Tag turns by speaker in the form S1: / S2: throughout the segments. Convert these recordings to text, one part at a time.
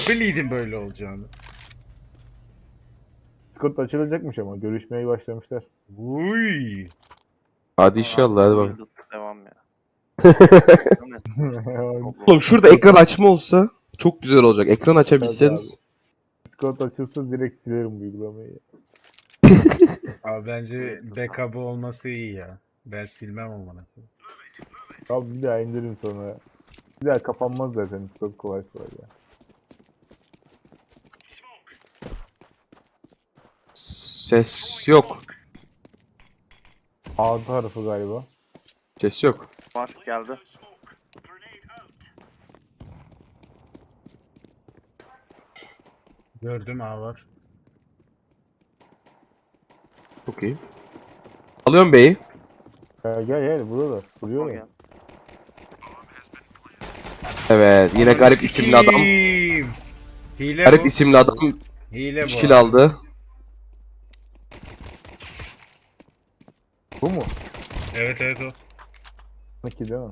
S1: biliydim böyle olacağını.
S2: Discord açılacakmış ama görüşmeye başlamışlar.
S1: Uy.
S3: Hadi inşallah hadi bak.
S4: Devam ya.
S3: Oğlum şurada ekran açma olsa çok güzel olacak. Ekran açabilseniz.
S2: Discord açılsa direkt silerim bu uygulamayı.
S1: Abi bence backup'ı olması iyi ya. Ben silmem amına.
S2: Abi bir daha indirin sonra. Bir daha kapanmaz zaten Discord kolay kolay ya.
S3: Ses yok.
S2: A tarafı galiba.
S3: Ses yok.
S4: Var geldi.
S1: Gördüm A var.
S3: Çok iyi. Alıyorum B'yi.
S2: Gel burada da.
S4: O
S2: Duruyor ya.
S4: geldi.
S3: Evet yine
S1: Ananı
S3: garip isimli adam.
S1: sikeyim. Hile
S3: Garip
S1: bu.
S3: isimli adam
S1: Hile
S3: 3
S1: bu.
S3: kill aldı.
S2: Bu mu?
S1: Evet evet o.
S2: 2 değil mi?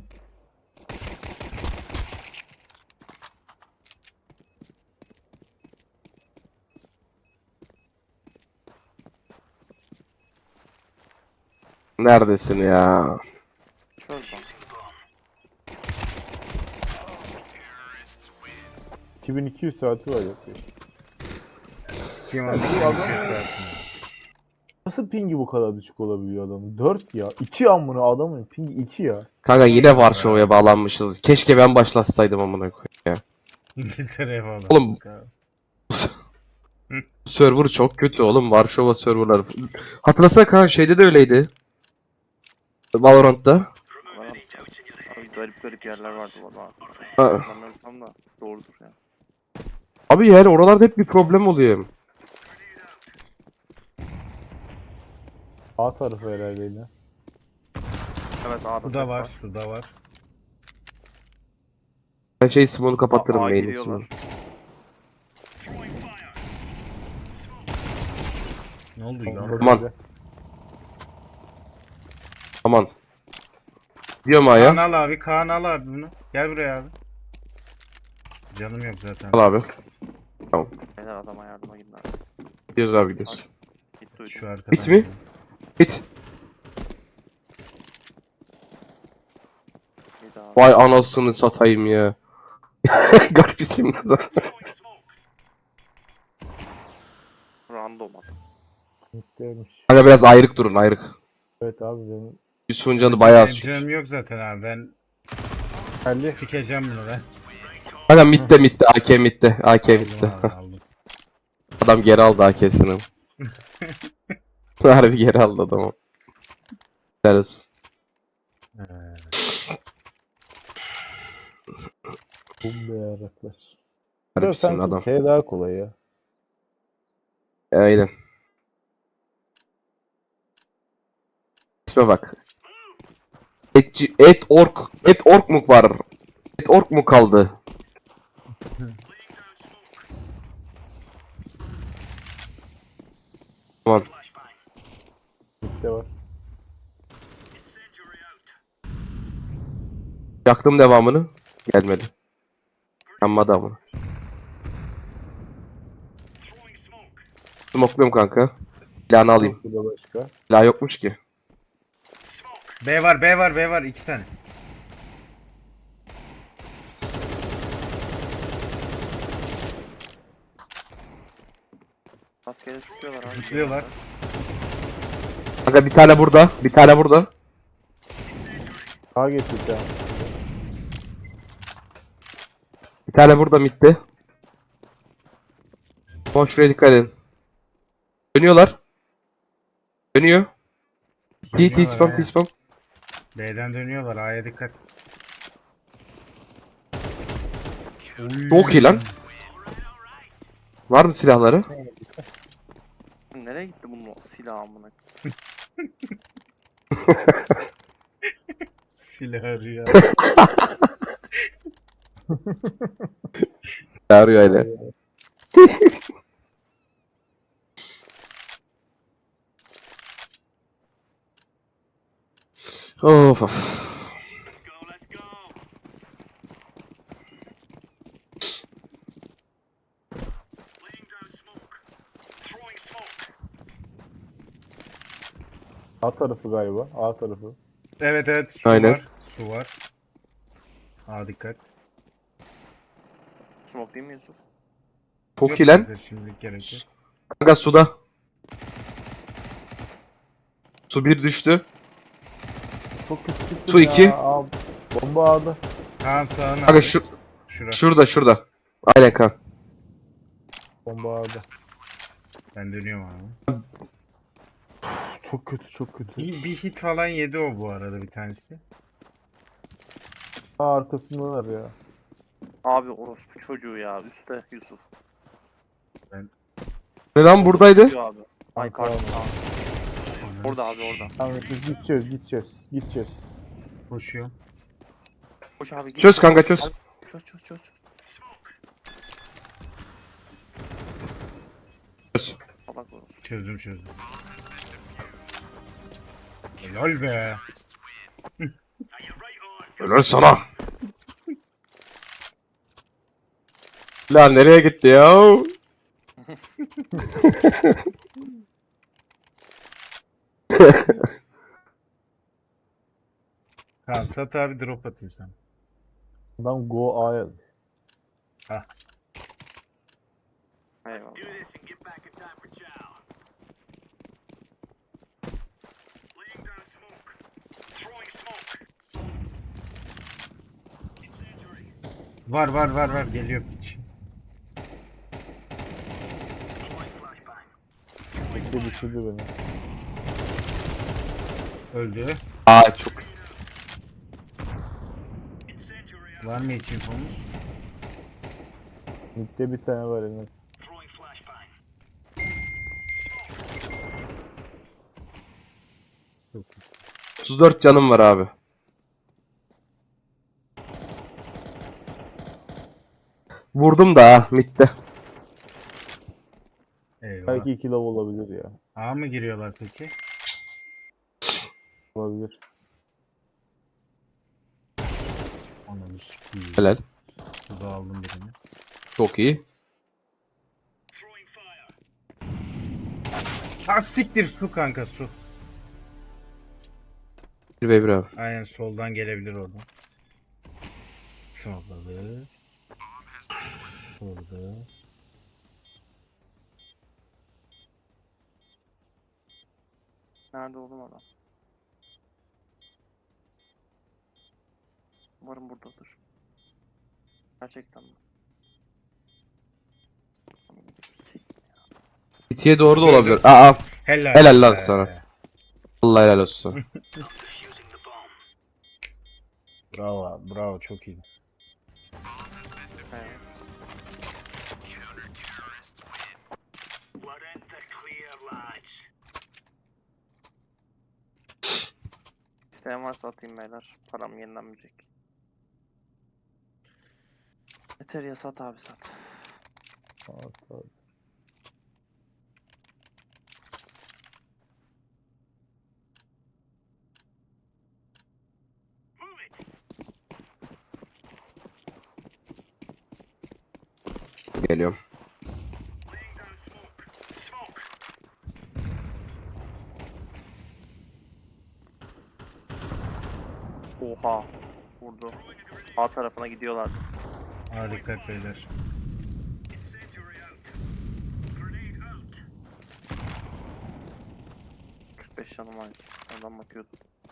S3: Neredesin ya?
S4: Şuradan.
S2: ...2200 saati var yok.
S1: Kim
S2: Bu
S1: aldı?
S2: adam- Nasıl pingi bu kadar düşük olabiliyor adamın? 4 ya. 2 amına adamın pingi 2 ya.
S3: Kanka yine Varşova'ya bağlanmışız. Keşke ben başlatsaydım amına koyayım ya.
S1: İngiltere'ye falan.
S3: Oğlum. Server çok kötü oğlum. Varşova serverları. Hatırlasana kanka şeyde de öyleydi. Valorant'ta.
S4: Abi garip garip yerler vardı valla.
S3: Ha.
S4: Ben ölsem da doğrudur ya.
S3: Abi yani oralarda hep bir problem oluyor.
S2: A tarafı herhalde yine.
S4: Evet A'da
S1: Su
S4: ses
S1: da var,
S4: var.
S1: su da var.
S3: Ben şey simoну kapatırım
S4: A
S3: main
S4: giriyorlar.
S3: ismini.
S1: Ne oldu ya?
S3: Aman. Aman. Diyorum
S1: Kaan
S3: A'ya.
S1: al abi, Kaan al abi bunu. Gel buraya abi. Canım yok zaten.
S3: Al abi.
S4: Beyler adama yardıma gidin abi.
S3: Gidiyoruz abi gidiyoruz.
S4: Gitti ucu.
S1: Şu arkadan.
S3: Bit mi? Bit.
S4: Gidi abi.
S3: Vay anasını satayım ya. Garip isimli adam.
S4: Random adam.
S2: Bittiymiş.
S3: Kanka biraz ayrık durun ayrık.
S2: Evet abi benim.
S3: Yusuf'un canı bayağı az
S1: Benim
S3: çünkü.
S1: canım yok zaten abi. Ben
S2: Geldi.
S1: sikeceğim bunu ben.
S3: Kanka mitte AK mitte. AK
S1: Aldım
S3: mitte.
S1: abi, aldım.
S3: Adam geri aldı AK'sini. Harbi geri aldı adamı. Helal olsun.
S1: Ee,
S2: Bum be yaraklar.
S3: Garip
S2: Burada
S3: isimli
S2: sanki
S3: adam.
S2: T daha kolay ya.
S3: Aynen. İsme bak. Et ork mu var? Et ork mu kaldı? Aman.
S2: Bitti var.
S3: Yaktım devamını. Gelmedi. Yanmadı ama. Smokluyorum kanka. Silahını alayım.
S2: Burada başka.
S3: Silah yokmuş ki.
S1: B var, B var, B var. 2 tane.
S4: Rastgele sıkıyorlar abi.
S1: Zıplıyorlar.
S3: Kanka bir tane burada. Bir tane burada.
S2: A geçtik ya.
S3: Bir tane burada midde. Ama şuraya dikkat edin. Dönüyorlar. Dönüyor. T spam
S1: Dönüyorlar,
S3: T spam.
S1: B'den dönüyorlar. A'ya dikkat.
S3: Çok iyi lan. Var mı silahları?
S4: Nereye gitti bunun silahı amına?
S1: Silah arıyor.
S3: Silah arıyor öyle. Of of.
S2: A tarafı galiba. A tarafı.
S1: Evet evet su
S3: Aynen.
S1: var. Su var. Aa dikkat.
S4: Smoke değil mi Yusuf?
S3: Çok
S1: Yok
S3: iyi lan.
S1: kanka, şimdilik gerek yok.
S3: Kanka suda. Su 1 düştü.
S2: Çok kötü çıktım
S3: Su
S2: ya.
S3: iki.
S2: Aa, bomba A'da.
S1: Kaan sağına
S3: Kanka
S1: abi.
S3: şu
S1: Şura.
S3: şurada. Aynen kan.
S2: Bomba A'da.
S1: Ben dönüyorum abi.
S2: Çok kötü çok kötü.
S1: Bir hit falan yedi o bu arada bir tanesi.
S2: A arkasındalar ya.
S4: Abi orospu çocuğu ya. Üstte Yusuf.
S3: Ne lan buradaydı?
S4: Diyor abi. Ay
S2: Kanka
S4: kardeşim.
S2: abi.
S4: Orada abi orada.
S2: Tamam biz gideceğiz.
S1: Koşuyor.
S4: Koş abi git.
S3: Çöz kanka çöz.
S4: Çöz.
S3: Çöz.
S4: Salak orospu.
S1: Çözdüm. Helal be.
S3: Helal sana. Lan nereye gitti ya?
S1: Kaan sat abi drop atayım sana.
S2: Adam go A'ya.
S4: Eyvallah.
S1: Var geliyor piç.
S2: Bekle düşürdü beni.
S1: Öldü.
S3: Aa çok.
S1: Var mı hiç infomuz?
S2: Mid'de bir tane var Enes.
S1: Yok.
S3: 34 canım var abi. Vurdum da ha midde.
S1: Eyvah.
S2: Belki 2 love olabilir ya.
S1: A mı giriyorlar peki?
S2: Olabilir.
S1: Ananı sikiyim.
S3: Helal.
S1: Suda aldım birini.
S3: Çok iyi.
S1: Ha siktir su kanka su.
S3: 1v1 abi.
S1: Aynen soldan gelebilir oradan. Solladı. Vurdu.
S4: Nerede oğlum adam? Umarım buradadır. Gerçekten mi?
S3: City'ye doğru da olabilir. Aa Helal lan
S1: be.
S3: sana. Allah helal olsun.
S1: Bravo çok iyi.
S4: Evet. İsteyen varsa atayım beyler. Param yenilenmeyecek. Yeter ya sat abi sat.
S2: Aa,
S3: Geliyorum.
S4: Oha. Vurdu. A tarafına gidiyorlar.
S1: Ha dikkat beyler.
S4: Beş canım var. Oradan bakıyordum.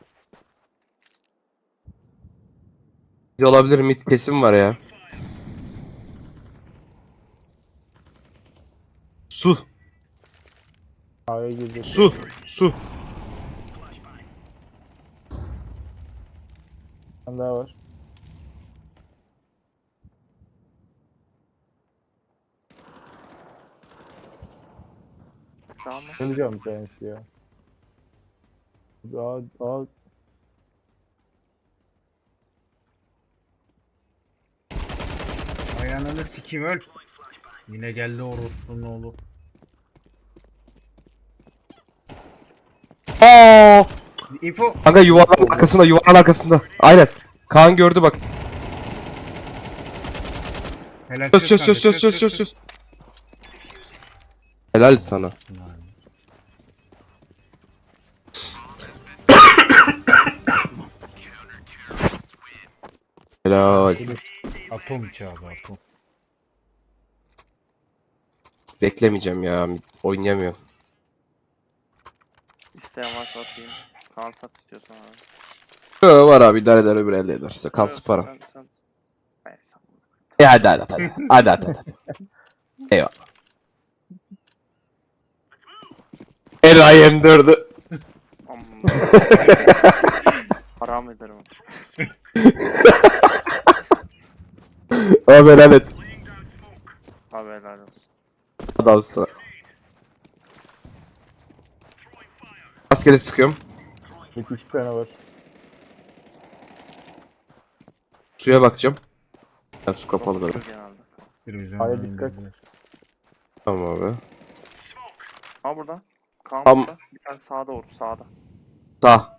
S3: Bir de olabilir mid kesim var ya. Su.
S2: A'ya girdi.
S3: Su.
S2: Bir tane daha var.
S4: Sağ mı?
S2: Öleceğim bir tanesi ya. A
S1: Ayağını sikeyim öl. Yine geldi orospunun oğlu.
S3: Aa!
S1: Info.
S3: Kanka yuvarlan arkasında. Aynen. Kaan gördü bak.
S1: Helal
S3: Çöz. Helal sana. Helal.
S1: Atom çağdı atom.
S3: Beklemeyeceğim ya. Oynayamıyorum.
S4: İsteyen varsa atayım. Kaan sat istiyorsan abi.
S3: Yo, var abi idare eder öbür elde ederse. Kalsın param.
S4: Sen. Neyse.
S3: Hadi. Hadi. Eyvallah. Enayi M4'ü.
S4: Amma. Haram ederim.
S3: Abi helal et.
S4: Abi helal olsun.
S3: Adamsın. Rastgele sıkıyorum.
S2: Peki 2 tane var.
S3: Suya bakacağım. Ben su kapalı böyle.
S4: Genelde.
S1: Bir bizim
S2: Aya
S1: önünden
S2: dikkat.
S1: indiler.
S3: Tamam abi.
S4: Ha burada. Kaan
S3: Tam-
S4: burada. Bir tane sağda vur. Sağda.
S3: Sağ.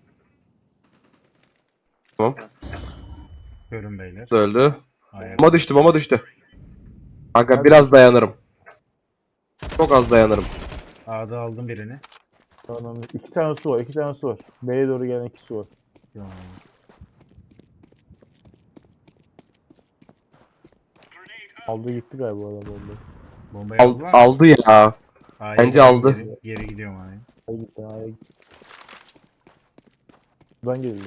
S3: Tamam.
S1: Görün beyler.
S3: Öldü.
S1: Aya-
S3: Bomba düştü. Kanka biraz dayanırım. Çok az dayanırım.
S1: A'da aldım birini.
S2: Tamam. 2 tane su var. 2 tane su var. B'ye doğru gelen 2 su var.
S1: Tamam.
S2: Aldı gitti galiba adam bombayı.
S1: Bombayı aldılar mı?
S3: Aldı ya.
S1: A'ya
S3: bence
S1: gidiyorum,
S3: aldı.
S1: Geri gidiyorum A'ya.
S2: Aya gitti. Aya gitti. Buradan geldi.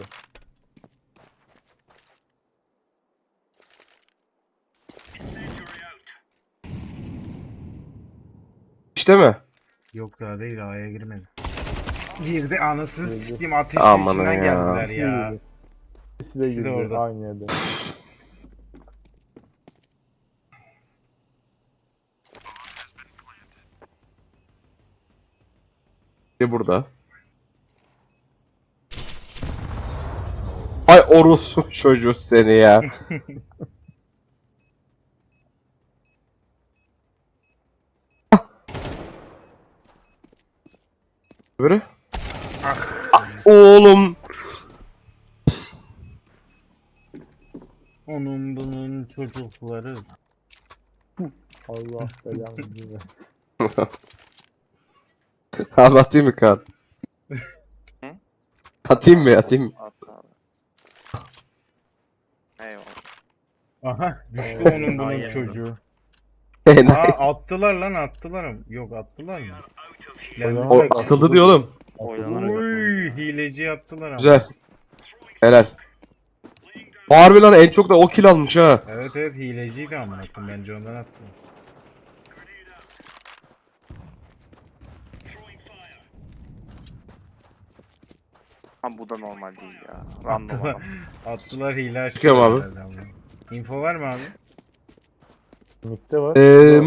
S3: İşte mi?
S1: Yok daha değil A'ya girmedi. Girdi anasını
S2: Girdi.
S1: sikeyim ateşin
S3: Aman
S1: içinden
S3: ya.
S1: geldiler ya.
S2: İkisi de
S1: İkisi de
S2: girdi.
S1: orada.
S2: Aynı yerde.
S3: Bir burada. Ay orospu çocuğu seni ya. Böyle. Oğlum.
S1: Onun bunun çocukları.
S2: Allah belanı versin.
S3: Abi atayım mı kan?
S4: Hı?
S3: Atayım mı? Atayım mı?
S4: At abi. Eyvallah.
S1: Aha düştü onun bunun
S4: Aynen.
S1: çocuğu.
S3: Enayi.
S1: Aa attılar lan attılar. Yok attılar mı?
S2: Oynamaz.
S3: O atıldı diyor oğlum.
S4: Oynanır.
S1: Uy hileci attılar ama.
S3: Güzel. Helal. Harbi lan en çok da o kill almış ha.
S1: Evet evet hileciydi ama bence ondan attı.
S4: Ha bu da normal değil ya. Random adam.
S1: Attılar hile açtı.
S3: Çıkıyorum abi.
S1: herhalde ama. Info var mı abi?
S2: Mid'de var.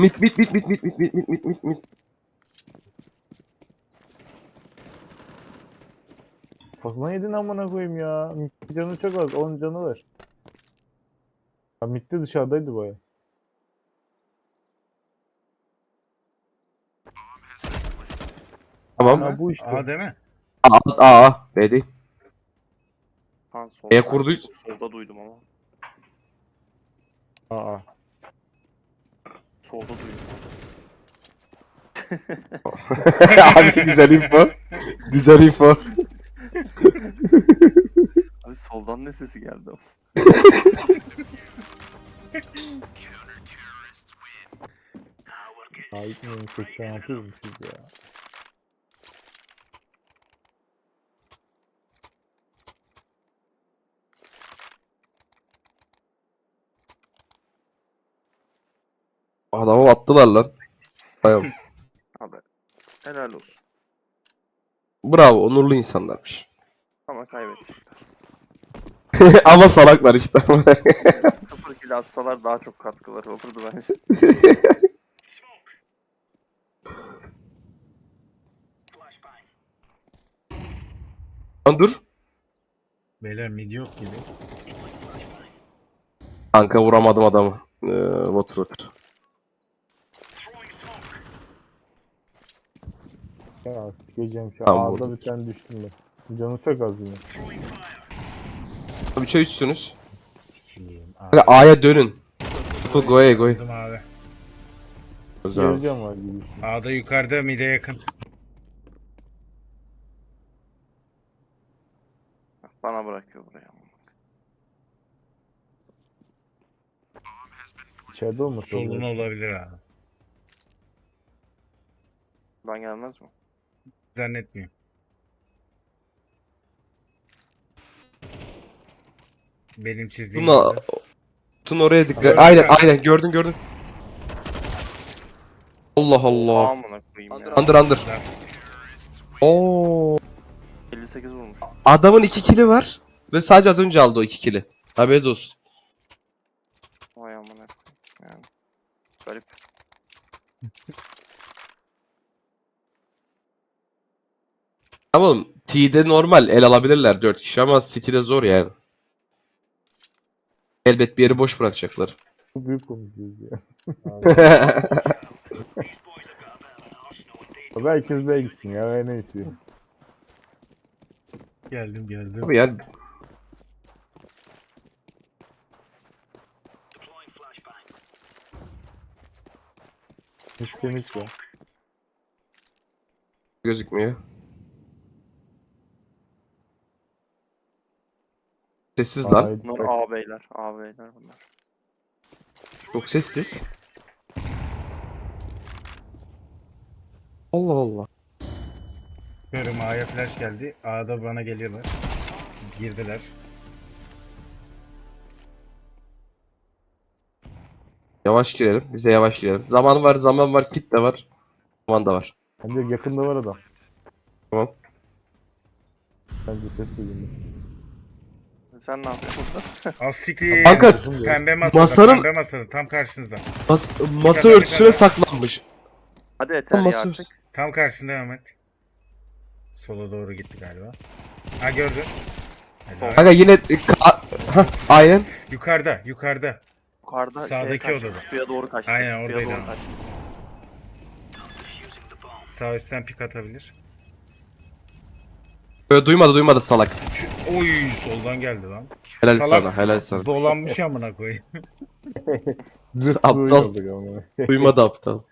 S3: Mit.
S2: Kafasına yedin amına koyayım ya. Mid canı çok az. 10 canı var. Ya mid'de dışarıdaydı baya.
S3: Tamam.
S2: Ha bu işte.
S1: Aa değil mi?
S3: Aa. B değil.
S4: Kaan solda.
S3: E kurdu.
S4: Solda duydum ama.
S2: Aa.
S4: Solda duydum.
S3: Abi güzel info. Güzel info.
S4: Abi soldan ne sesi geldi?
S2: Daha gitmiyorum. 86 vurmuşuz ya.
S3: Adamı attılar lan. Bayağı.
S4: Abi helal olsun.
S3: Bravo onurlu insanlarmış.
S4: Ama kaybetmişler.
S3: Ama salaklar işte.
S4: 0 kill atsalar daha çok katkıları olurdu bence.
S3: Lan dur.
S1: Beyler mid yok gibi.
S3: Kanka vuramadım adamı. Water.
S2: Ya sikeceğim şu an.
S3: Tamam,
S2: Ağda
S3: vurdum.
S2: bir tane düştüm ben. Canı çok az yine.
S3: Bir çay içsiniz.
S1: Sikiyim.
S3: Kanka A'ya dönün. Go'ya.
S1: Aldım abi.
S3: Güzel.
S2: Geleceğim var gibi.
S1: A'da yukarıda mid'e yakın.
S4: Bana bırakıyor buraya.
S2: İçeride olması
S1: Solun
S2: lazım.
S1: olabilir abi.
S4: Ben gelmez mi?
S1: Zannetmiyorum. Benim çizdiğim
S3: Tuna,
S1: yerde.
S3: Tuna oraya dikkat.
S1: Gördüm
S3: Aynen
S1: kanka.
S3: aynen gördün. Allah Allah.
S4: Amına koyayım ya.
S3: Under. Oo.
S4: 58 vurmuş.
S3: Adamın 2 kili var ve sadece az önce aldı o 2 kili. Haberiniz olsun.
S4: Vay amına koyayım. Yani. Garip.
S3: Ama oğlum T'de normal el alabilirler 4 kişi ama City'de zor yani. Elbet bir yeri boş bırakacaklar.
S2: Çok büyük konuşuyoruz ya. Abi herkes de gitsin ya. Ne istiyor?
S1: Geldim.
S3: Abi yani
S2: Hiç temiz ya.
S3: gözükmüyor. Sessiz lan.
S2: Ay,
S4: Bunlar A beyler. A beyler bunlar.
S3: Çok sessiz. Allah Allah.
S1: Görüm A'ya flash geldi. A'da bana geliyorlar. Girdiler.
S3: Yavaş girelim. Bize yavaş girelim. Zaman var, kit de var. Zaman da var.
S2: bence yakında var adam.
S3: Tamam.
S2: Bence ses duydum.
S4: Sen ne yapıyorsun burada?
S1: Az siktir.
S3: Kanka
S1: Pembe masada.
S3: masanın-
S1: Pembe masada. Tam karşınızda.
S3: masa örtüsüne saklanmış.
S4: Hadi yeter ya
S3: Masa
S4: artık.
S1: Tam karşında Ahmet. Sola doğru gitti galiba. Ha gördün. Helal.
S3: Kanka yine Hah, aynen.
S1: Yukarıda.
S4: Yukarıda
S1: Sağdaki
S4: kaçtı,
S1: odada.
S4: Suya doğru kaçtı.
S1: Aynen,
S4: Suya
S1: oradaydı
S4: doğru
S1: ama.
S4: kaçtı.
S1: Sağ üstten pik atabilir.
S3: Duymadı salak.
S1: Oy soldan geldi lan.
S3: Helal
S1: Salak.
S3: sana, helal sana.
S1: Dolanmış amına koyayım.
S2: Zırt
S3: Aptal.
S2: duyuyorduk ama.
S3: Duymadı aptal.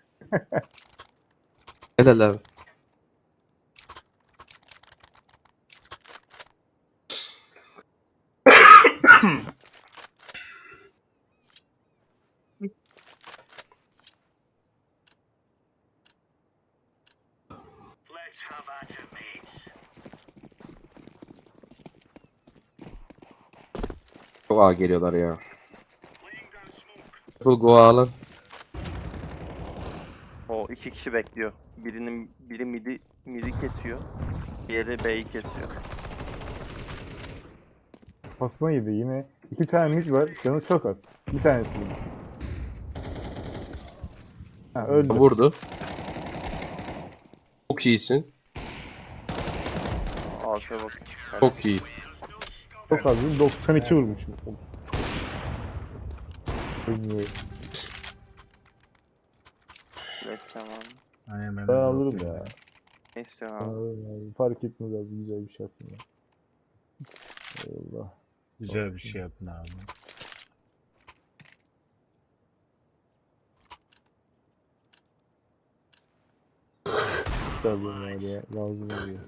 S3: Helal abi. Çok ağa geliyorlar ya. Full go alın.
S4: O 2 kişi bekliyor. Biri midi kesiyor. Diğeri B'yi kesiyor.
S2: Pasına yedi yine. 2 tane mid var. Canı çok az. Bir tanesi yine. Ha öldü.
S3: Vurdu. Çok iyisin.
S4: Arkaya bak.
S3: Çok iyi.
S2: Çok az değil. 92 vurmuşum. Bilmiyorum.
S4: Flash tamam.
S1: Aynen
S2: Ben alırım ya.
S4: Ne istiyorsun
S2: Ben
S4: abi?
S2: alırım abi. Fark etmez abi. Güzel bir şey yapın ya. Eyvallah.
S1: Güzel bir şey yapın abi.
S2: Tabii yani ya. Lazım oluyor.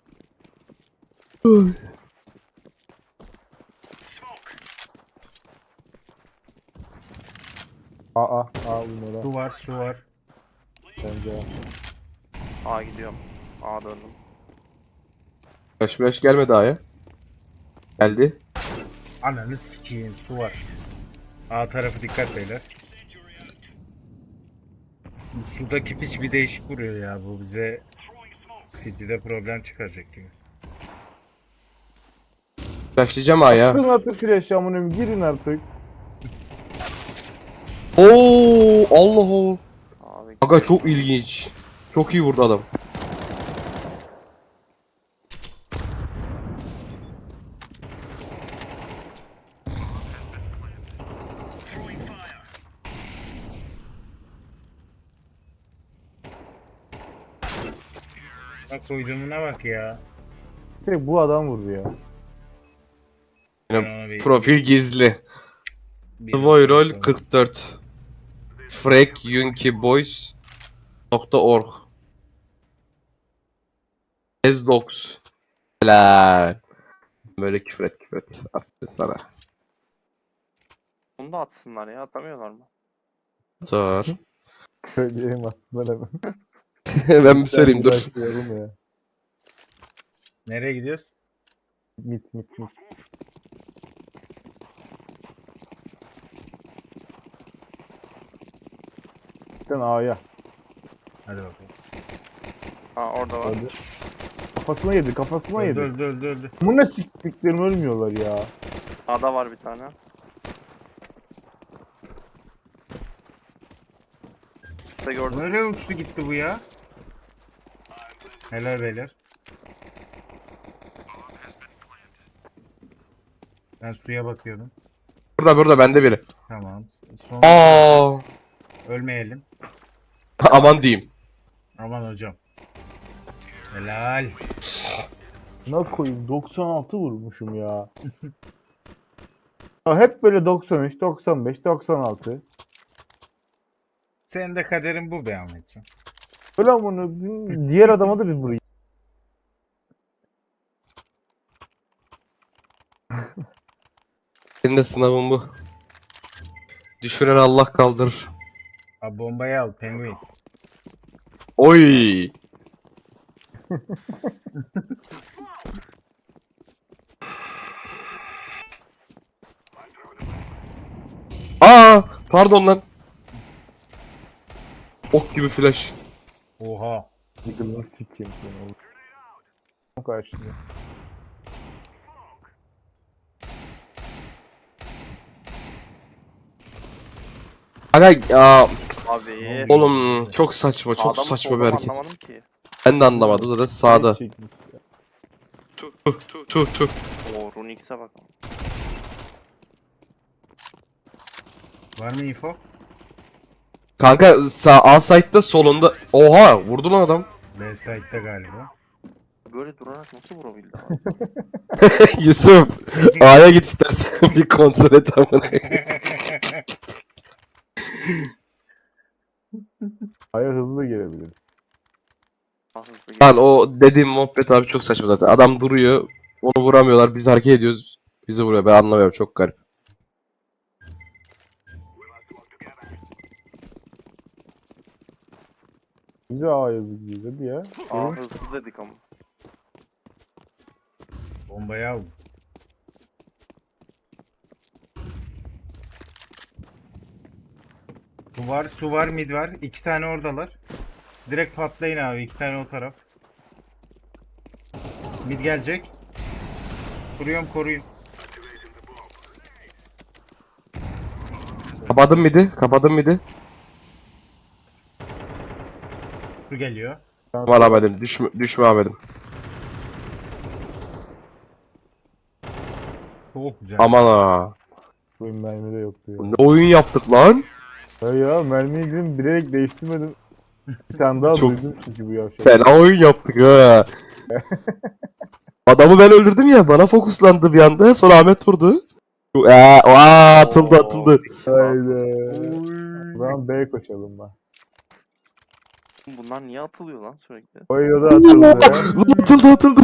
S2: Aa bunlara.
S1: Su var.
S2: Bence.
S4: A gidiyorum. A döndüm.
S3: Flash gelmedi A'ya. Geldi.
S1: Ananı sikeyim su var. A tarafı dikkat beyler. Bu sudaki piç bir değişik vuruyor ya bu bize City'de problem çıkaracak gibi.
S3: Flashlayacağım A'ya.
S2: Kırın artık flash amınım. Girin artık.
S3: Oo, Allah Allah.
S4: Abi
S3: Aga çok ilginç. Çok iyi vurdu adam.
S1: Bak koyduğumuna bak ya.
S2: Tek bu adam vurdu ya.
S1: Ben ona bir-
S3: Profil gizli.
S1: bir
S3: Voy rol
S1: bakalım.
S3: 44. Frekyunkiboys.org Ezdox. Helal. Böyle küfür et. Aferin sana.
S4: bunu da atsınlar ya. Atamıyorlar mı?
S3: Var.
S2: Söyleyeyim aslında.
S3: Ben bir söyleyeyim dur.
S2: Başlayalım ya.
S1: Nereye gidiyoruz?
S2: Mit. Sen A'ya.
S1: Hadi bakalım.
S4: Ha orada var.
S2: Hadi. Kafasına yedi.
S1: Dur.
S2: Bu ne siktiklerim ölmüyorlar ya.
S4: A'da var bir tane. Üstte gördüm.
S1: Nereye uçtu gitti bu ya? Helal beyler. Ben suya bakıyordum.
S3: Burada bende biri.
S1: Tamam. Son
S3: Aa,
S1: ölmeyelim.
S3: aman diyeyim.
S1: Aman hocam. Helal.
S2: Ne koyayım 96 vurmuşum ya. Ya hep böyle 93, 95, 96.
S1: Senin de kaderin bu be Ahmetciğim.
S2: Öyle bunu diğer adama da bir vurayım.
S3: Senin de sınavın bu. Düşüren Allah kaldırır.
S1: Abi bombayı al penguin.
S3: Oy. Aa, pardon lan. Ok gibi flash.
S1: Oha.
S2: Yıkılını sikeyim seni oğlum. Karşında.
S3: Aga ya,
S4: Abi.
S3: oğlum çok saçma, çok
S4: Sağda mı,
S3: saçma
S4: solda
S3: bir
S4: mı
S3: hareket.
S4: anlamadım ki.
S3: Ben de anlamadım zaten sağda.
S2: Çekmiş ya.
S3: Tuh.
S4: Oo Runix'e bak.
S1: Var mı info?
S3: Kanka sağ A site'da solunda. Oha, vurdu lan adam.
S1: B site'de galiba.
S4: Böyle durarak nasıl vurabildi abi?
S3: Yusuf, A'ya git istersen bir kontrol et amına.
S2: Aya hızlı gelebilir.
S4: Daha hızlı
S3: Lan
S4: geliyor.
S3: o dediğim muhabbet abi çok saçma zaten. Adam duruyor, onu vuramıyorlar, biz hareket ediyoruz. Bizi vuruyor, ben anlamıyorum, çok garip.
S2: Bize A yazık diyor. Hadi ya.
S4: Aa hızlı dedik ama.
S1: Bombayı al. Su var, mid var. 2 tane oradalar. Direkt patlayın abi. 2 tane o taraf. Mid gelecek. Kuruyorum, koruyun.
S3: Kapadım midi.
S1: Su geliyor.
S3: Aman Ahmet'im, düşme Ahmet'im.
S1: Çok güzel.
S3: Aman ha.
S2: Bu mermi de yoktu ya.
S3: Ne oyun yaptık lan?
S2: Ya mermiyi dedim bilerek değiştirmedim. Bir tane daha
S3: Çok-
S2: duydum çünkü bu yavşak.
S3: Fena oyun yaptık ha. Adamı ben öldürdüm ya, bana fokuslandı bir anda, sonra Ahmet vurdu. Atıldı.
S2: Haydi. O zaman B koşalım ben.
S4: Bunlar niye atılıyor lan sürekli?
S2: O da atıldı.
S3: Atıldı.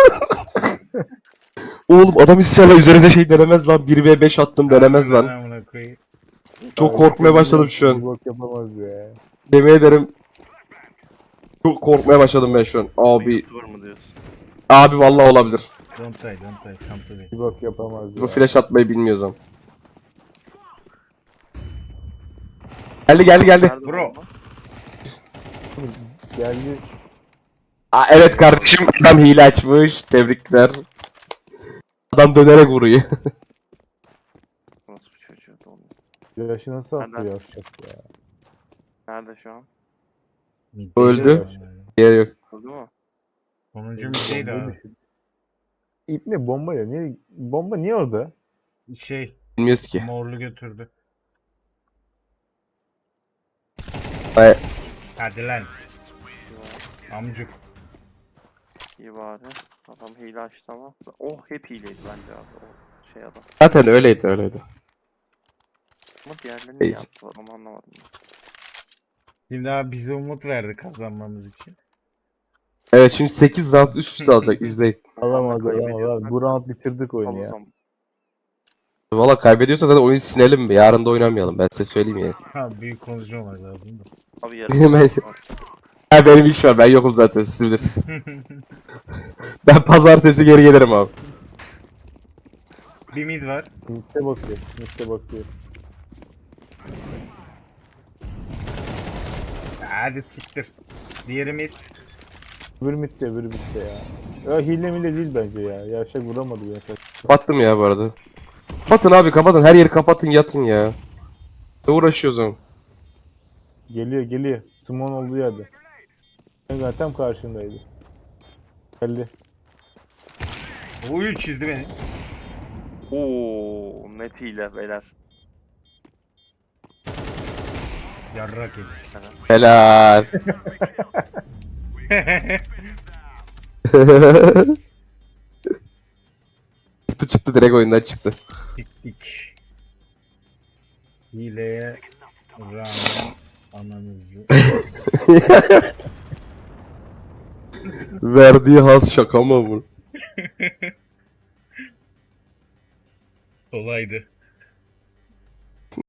S3: Oğlum adam inşallah üzerine şey denemez lan. 1v5 attım denemez lan.
S1: Amına koyayım.
S3: Çok korkmaya başladım şu
S2: Bir
S3: an.
S2: bok yapamaz ya.
S3: Yemin ederim. Çok korkmaya başladım ben şu an. Abi.
S4: YouTuber mı diyorsun?
S3: Abi vallahi olabilir.
S1: Don't die. Come to me.
S2: Bir bok yapamaz ya.
S3: Bu flash atmayı bilmiyorsam. Geldi.
S4: Nerede
S1: Bro.
S4: bomba?
S2: Geldi.
S3: Aa, evet kardeşim, adam hile açmış. Tebrikler. Adam dönerek vuruyor.
S4: Nasıl bir çocuğu da onu?
S2: Yaşı nasıl attı
S4: Nereden?
S2: yavşak ya.
S4: Nerede şu an?
S1: Mid'deydi
S3: Öldü.
S1: adam.
S3: Yer yok.
S4: Öldü mü?
S1: Sonuncu middeydi
S2: Bombayı
S1: abi.
S2: düşün. İp ne bomba ya? Niye, bomba niye orada?
S1: Şey,
S3: Bilmiyoruz ki.
S1: morlu götürdü.
S3: Ay,
S1: Hadi lan. Amcuk.
S4: İyi bari. Adam hile açtı ama. Oh hep hileydi bence abi. O şey adam.
S3: zaten öyleydi.
S4: Ama diğerlerini niye
S3: Neyse.
S4: yaptılar onu anlamadım. ben.
S1: Şimdi abi bize umut verdi kazanmamız için.
S3: Evet, şimdi 8 round üst üste alacak, izleyin.
S2: Alamaz
S4: kaybediyor.
S2: alamaz. Bu round bitirdik oyunu
S4: Al o
S2: ya.
S4: zaman.
S3: Valla kaybediyorsa zaten oyun sinelim. Yarın da oynamayalım. Ben size söyleyeyim yani.
S1: Ha büyük konuşmamak lazım da.
S4: Abi
S3: Hemen-
S4: yarın
S3: Ha, benim iş var. Ben yokum zaten. Siz bilirsiniz. Ben pazartesi geri gelirim abi.
S1: Bir mid var.
S2: Mitte bakıyor. Mitte bakıyor.
S1: Hadi siktir. Diğeri mid.
S2: Öbür mitte, öbür mitte ya. Ya hile mile değil bence ya. Yavşak vuramadı bir yavşak.
S3: Kapattım ya bu arada. Kapatın abi kapatın. Her yeri kapatın yatın ya. Ne uğraşıyoruz oğlum?
S2: Geliyor geliyor. Simon olduğu yerde. Ben tam karşındaydı. Geldi.
S1: Oyu çizdi beni.
S4: ooo net hile beyler.
S1: Yarrak yedi.
S3: Helal. Çıktı direkt oyundan çıktı.
S1: Tik. Hileye rağmen ananızı.
S3: Verdiği has şaka mı bu?
S1: Kolaydı.